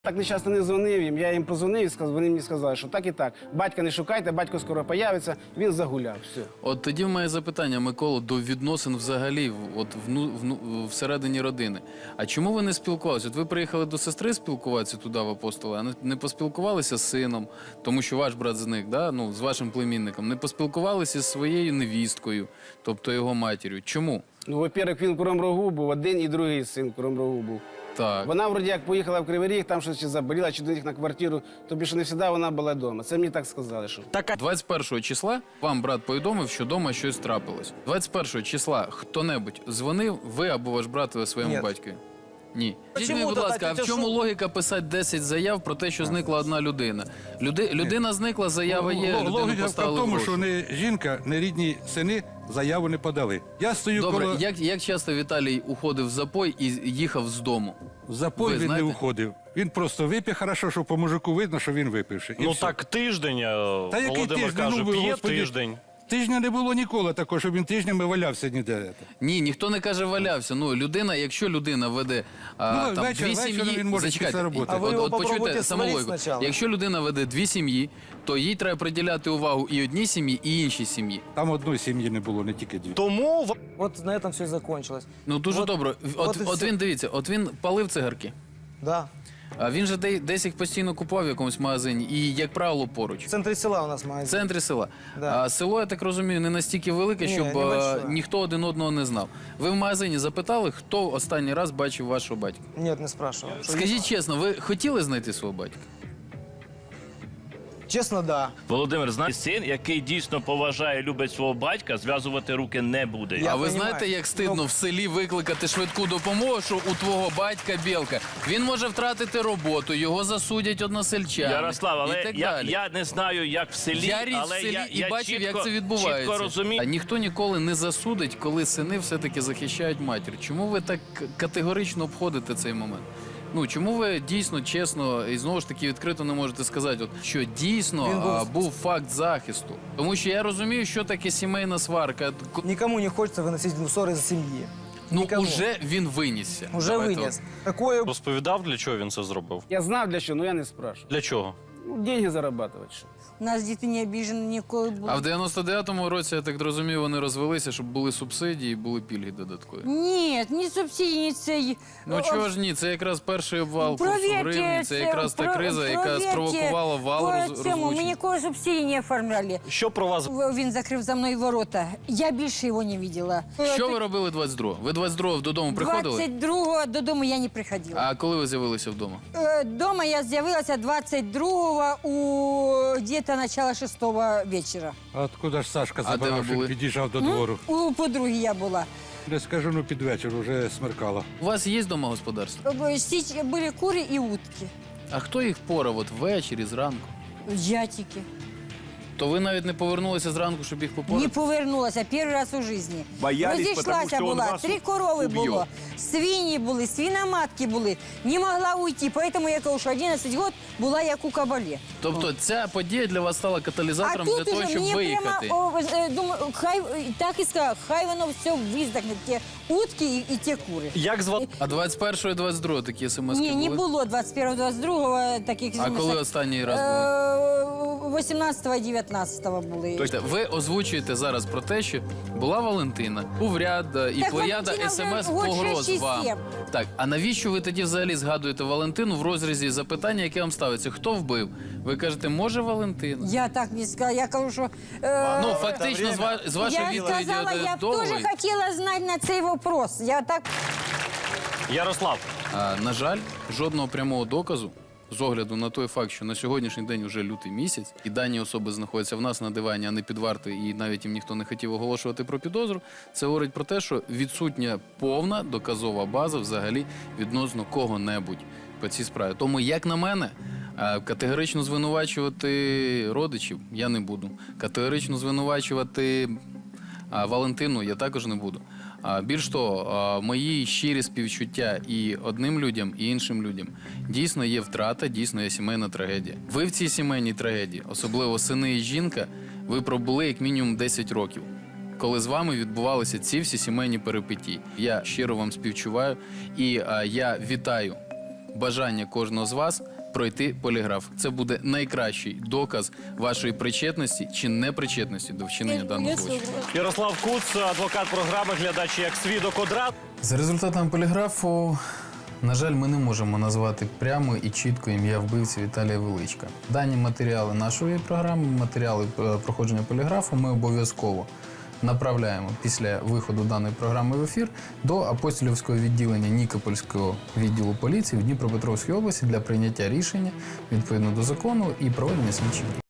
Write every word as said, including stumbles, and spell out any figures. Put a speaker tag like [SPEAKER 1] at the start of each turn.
[SPEAKER 1] Так нещасно не дзвонив їм, я їм позвонив і сказав, вони мені сказали, що так і так. Батька не шукайте, батько скоро появиться, він загуляв, все.
[SPEAKER 2] От тоді в мене запитання, Микола, до відносин взагалі, от вну, вну, всередині родини. А чому ви не спілкувалися? От ви приїхали до сестри спілкуватися туди в Апостоли, а не, не поспілкувалися з сином, тому що ваш брат зник, да? Ну, з вашим племінником, не поспілкувалися з своєю невісткою, тобто його матір'ю. Чому?
[SPEAKER 1] Ну, во-первых, він в Кривому Рогу був, один і другий син в Кривому Рогу був.
[SPEAKER 2] Так.
[SPEAKER 1] Вона, вроді, як поїхала в Кривий Ріг, там щось чи заболіла, чи до них на квартиру, тобі що не завжди вона була вдома. Це мені так сказали, що.
[SPEAKER 2] двадцять першого числа вам брат повідомив, що вдома щось трапилось. двадцять першого числа хто-небудь дзвонив, ви або ваш брат своєму
[SPEAKER 3] Ні.
[SPEAKER 2] батькові? Ні. Скажіть
[SPEAKER 3] Чому
[SPEAKER 2] мені, будь
[SPEAKER 3] тоді?
[SPEAKER 2] ласка, а в
[SPEAKER 3] Це
[SPEAKER 2] чому
[SPEAKER 3] що?
[SPEAKER 2] логіка писати десять заяв про те, що зникла одна людина? Люди, людина зникла, заява є, людину
[SPEAKER 4] Логіка в
[SPEAKER 2] поставили
[SPEAKER 4] тому,
[SPEAKER 2] гроші.
[SPEAKER 4] що не жінка, не рідні сини заяву не подали. Я стою
[SPEAKER 2] Добре,
[SPEAKER 4] коло...
[SPEAKER 2] як, як часто Віталій уходив в запой і їхав з дому?
[SPEAKER 4] В запой
[SPEAKER 2] Ви
[SPEAKER 4] він
[SPEAKER 2] знаєте?
[SPEAKER 4] не уходив. Він просто вип'є, хорошо, що по мужику видно, що він випивши. І
[SPEAKER 5] Ну
[SPEAKER 4] все.
[SPEAKER 5] так тиждень, е,
[SPEAKER 4] Та який
[SPEAKER 5] Володимир
[SPEAKER 4] тиждень?
[SPEAKER 5] каже,
[SPEAKER 4] Ну, ви,
[SPEAKER 5] п'є
[SPEAKER 4] Господи.
[SPEAKER 5] тиждень.
[SPEAKER 4] Тижня не було ніколи такого, щоб він тижнями валявся ніде.
[SPEAKER 2] Ні, ніхто не каже валявся. Ну, людина, якщо людина веде а,
[SPEAKER 4] Ну,
[SPEAKER 2] там,
[SPEAKER 4] вечір-
[SPEAKER 2] дві
[SPEAKER 4] вечором
[SPEAKER 2] сім'ї...
[SPEAKER 4] він може
[SPEAKER 2] Зачекайте,
[SPEAKER 4] після роботи.
[SPEAKER 3] А ви
[SPEAKER 2] от,
[SPEAKER 3] його
[SPEAKER 2] от почуйте
[SPEAKER 3] попробуйте
[SPEAKER 2] саму
[SPEAKER 3] сварити
[SPEAKER 2] логіку.
[SPEAKER 3] спочатку.
[SPEAKER 2] Якщо людина веде дві сім'ї, то їй треба приділяти увагу і одній сім'ї, і іншій сім'ї.
[SPEAKER 4] Там одної сім'ї не було, не тільки дві.
[SPEAKER 5] Тому в-
[SPEAKER 3] Вот на этом все и закончилось.
[SPEAKER 2] Ну, дуже
[SPEAKER 3] От-
[SPEAKER 2] добре. От,
[SPEAKER 3] от і
[SPEAKER 2] от
[SPEAKER 3] все.
[SPEAKER 2] він, дивіться, от він палив цигарки.
[SPEAKER 3] Да.
[SPEAKER 2] А він же де- десь їх постійно купував в якомусь магазині і, як правило, поруч.
[SPEAKER 3] В центре села у нас
[SPEAKER 2] В
[SPEAKER 3] магазин.
[SPEAKER 2] центрі села.
[SPEAKER 3] Да.
[SPEAKER 2] А село, я так розумію, не настільки велике,
[SPEAKER 3] Ні,
[SPEAKER 2] щоб а,
[SPEAKER 3] небольшое.
[SPEAKER 2] ніхто один одного не знав. Ви в магазині запитали, хто останній раз бачив вашого батька?
[SPEAKER 3] Нет, не спрашивал.
[SPEAKER 2] Скажіть чесно, ви хотіли знайти свого батька?
[SPEAKER 3] Честно, да.
[SPEAKER 6] Володимир, знаєш, син, який дійсно поважає, любить свого батька, зв'язувати руки не буде.
[SPEAKER 3] Я
[SPEAKER 2] а ви
[SPEAKER 3] понімаю.
[SPEAKER 2] знаєте, як стидно
[SPEAKER 3] Ну-
[SPEAKER 2] в селі викликати швидку допомогу, що у твого батька білка? Він може втратити роботу, його засудять односельчани.
[SPEAKER 6] Ярослав,
[SPEAKER 2] і
[SPEAKER 6] але
[SPEAKER 2] так
[SPEAKER 6] я,
[SPEAKER 2] далі.
[SPEAKER 6] я не знаю, як в селі,
[SPEAKER 2] Я ріс в
[SPEAKER 6] але
[SPEAKER 2] селі
[SPEAKER 6] я,
[SPEAKER 2] і
[SPEAKER 6] я
[SPEAKER 2] бачив,
[SPEAKER 6] чітко,
[SPEAKER 2] як це відбувається.
[SPEAKER 6] чітко розумію.
[SPEAKER 2] А ніхто ніколи не засудить, коли сини все-таки захищають матір. Чому ви так категорично обходите цей момент? Ну, чому ви дійсно, чесно і знову ж таки відкрито не можете сказати, от, що дійсно
[SPEAKER 3] Він був-
[SPEAKER 2] а, був факт захисту? Тому що я розумію, що таке сімейна сварка. К-
[SPEAKER 3] Никому не хочется выносить ссоры за семьи.
[SPEAKER 2] Ну,
[SPEAKER 3] Никому.
[SPEAKER 2] уже він винісся.
[SPEAKER 3] Уже
[SPEAKER 2] Давайте
[SPEAKER 3] вынес. Такое...
[SPEAKER 5] розповідав, для чого він це зробив.
[SPEAKER 1] Я знав для чого, але я не спрашивав.
[SPEAKER 5] Для чого?
[SPEAKER 1] Ну, деньги зарабатувати. Що.
[SPEAKER 7] У нас діти не обіжені ніколи були.
[SPEAKER 2] А в дев'яносто дев'ятому році, я так розумію, вони розвелися, щоб були субсидії, були пільги додаткові.
[SPEAKER 7] Ні, ні субсидії, ні цей.
[SPEAKER 2] Ну чого ж ні, це якраз перший обвал курсу гривні, це якраз та криза, яка спровокувала вал роз-
[SPEAKER 7] По цьому, ми
[SPEAKER 2] розлучень.
[SPEAKER 7] ніколи субсидії не оформляли.
[SPEAKER 5] Що про вас?
[SPEAKER 7] Він закрив за мною ворота. Я більше його не бачила.
[SPEAKER 2] Що ви робили двадцять другого? Ви двадцять другого додому приходили?
[SPEAKER 7] двадцять другого додому я не приходила.
[SPEAKER 2] А коли ви з'явилися вдома?
[SPEAKER 7] Е, Дома я з'явилася двадцять другого у где-то начало шестого вечора.
[SPEAKER 4] А откуда ж Сашка
[SPEAKER 2] А де ви
[SPEAKER 4] забирав, що
[SPEAKER 2] були?
[SPEAKER 4] під'їжджав до двору?
[SPEAKER 7] У подруги я була.
[SPEAKER 4] Не скажу, ну під вечір вже смеркало.
[SPEAKER 2] У вас є вдома господарство?
[SPEAKER 7] Е, січ- Були кури і утки.
[SPEAKER 2] А хто їх порав от ввечері, зранку?
[SPEAKER 7] Я тільки.
[SPEAKER 2] То ви навіть не повернулися зранку, щоб їх
[SPEAKER 7] Не
[SPEAKER 2] попорати?
[SPEAKER 7] повернулася перший раз у житті.
[SPEAKER 8] Боялись, потому
[SPEAKER 7] Розійшлася
[SPEAKER 8] що он
[SPEAKER 7] була,
[SPEAKER 8] вас
[SPEAKER 7] три корови
[SPEAKER 8] уб'є.
[SPEAKER 7] було, свині були, свиноматки були. Не могла уйти, поэтому я кажу, що одинадцять років була як у кабалі.
[SPEAKER 2] Тобто ця подія для вас стала
[SPEAKER 7] А
[SPEAKER 2] каталізатором для
[SPEAKER 7] тут
[SPEAKER 2] того,
[SPEAKER 7] уже
[SPEAKER 2] щоб
[SPEAKER 7] мені
[SPEAKER 2] виїхати?
[SPEAKER 7] прямо, о, е, думаю, хай, е, так і сказала, хай воно все виздохне, ті утки і, і ті кури.
[SPEAKER 5] Як звати?
[SPEAKER 2] А двадцять першого і двадцять другого такі смс-ки
[SPEAKER 7] Ні,
[SPEAKER 2] були?
[SPEAKER 7] не було двадцять першого, двадцять другого таких
[SPEAKER 2] А коли останній раз були?
[SPEAKER 7] Е, вісімнадцятого, дев'ятнадцятого були.
[SPEAKER 2] Тобто ви озвучуєте зараз про те, що була Валентина, був ряд е, і
[SPEAKER 7] Так
[SPEAKER 2] плеяда
[SPEAKER 7] Валентина вже
[SPEAKER 2] смс
[SPEAKER 7] год
[SPEAKER 2] погроз
[SPEAKER 7] шість чи
[SPEAKER 2] вам.
[SPEAKER 7] сім.
[SPEAKER 2] Так, а навіщо ви тоді взагалі згадуєте Валентину в розрізі запитання, яке вам ставиться? Хто вбив? Ви кажете, може Валентина?
[SPEAKER 7] Я так не сказала, я кажу, що... е,
[SPEAKER 2] Ну, фактично, з, ва- з вашої
[SPEAKER 7] я
[SPEAKER 2] відповіді
[SPEAKER 7] сказала,
[SPEAKER 2] е,
[SPEAKER 7] я б
[SPEAKER 2] довгої.
[SPEAKER 7] теж хотіла знати на цей вопрос. Я так...
[SPEAKER 5] Ярослав,
[SPEAKER 2] А, на жаль, жодного прямого доказу, з огляду на той факт, що на сьогоднішній день вже лютий місяць, і дані особи знаходяться в нас на дивані, а не під вартою, і навіть їм ніхто не хотів оголошувати про підозру, це говорить про те, що відсутня повна доказова база взагалі відносно кого-небудь по цій справі. Тому, як на мене, а, категорично звинувачувати родичів я не буду. Категорично звинувачувати а, Валентину я також не буду. А, більш того, а, мої щирі співчуття і одним людям, і іншим людям. Дійсно є втрата, дійсно є сімейна трагедія. Ви в цій сімейній трагедії, особливо сини і жінка, ви пробули як мінімум десять років, коли з вами відбувалися ці всі сімейні перипетії. Я щиро вам співчуваю і а, я вітаю бажання кожного з вас пройти поліграф. Це буде найкращий доказ вашої причетності чи непричетності до вчинення даного злочину.
[SPEAKER 5] Ярослав Куц, адвокат програми «Глядач як свідок одразу».
[SPEAKER 2] За результатами поліграфу, на жаль, ми не можемо назвати прямо і чітко ім'я вбивці Віталія Величка. Дані матеріали нашої програми, матеріали е, проходження поліграфу ми обов'язково направляємо після виходу даної програми в ефір до апостолівського відділення Нікопольського відділу поліції в Дніпропетровській області для прийняття рішення відповідно до закону і проведення слідчих дій.